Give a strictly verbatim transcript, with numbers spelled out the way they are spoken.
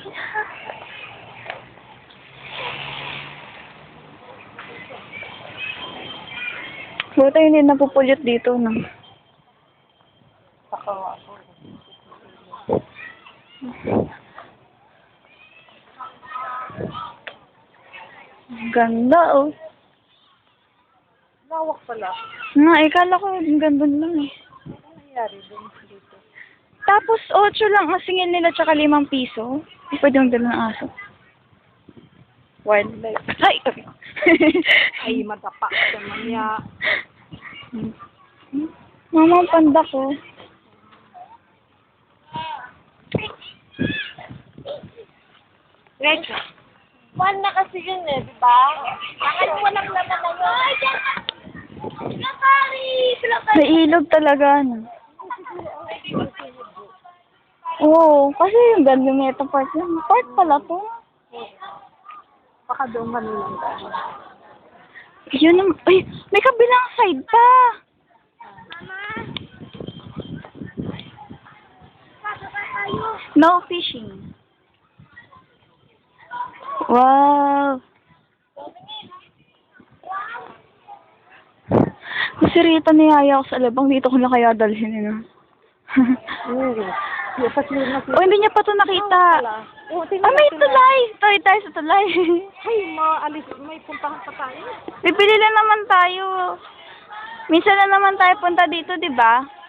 Buta hindi napupulot dito, no? Pakawa ako. Ganda, oh. Lawak pala. Nga, eh, kala ko yung ganda lang, eh. Ano nangyari dun dito? Tapos, otso lang ang singil nila tsaka limang piso. Pwede yung dala ng aso. Wildlife. Ay! Ay, madapa ka naman niya. Mama, ang panda ko. Rachel. One na kasi yun eh, di ba? Bakit walang laman na yun? Ay, dyan! Pilapari! Pilapari! May ilog talaga, no? Oo, kasi yung ganda ng ito part lang. Part pala to. Baka doon manilang ka. Yun yung, ay, may kabilang side pa. No fishing. Wow. Kasi Rita niyaya ako sa labang, dito ko na kaya dalhin eh, no? Hmm. Dapat yun na O, hindi niya pa ito nakita. Oh, Ah, may tulay! Tulay tayo sa tulay. Ay, maalis. May puntahan pa tayo. Bibili lang naman tayo. Minsan na naman tayo punta dito, di ba?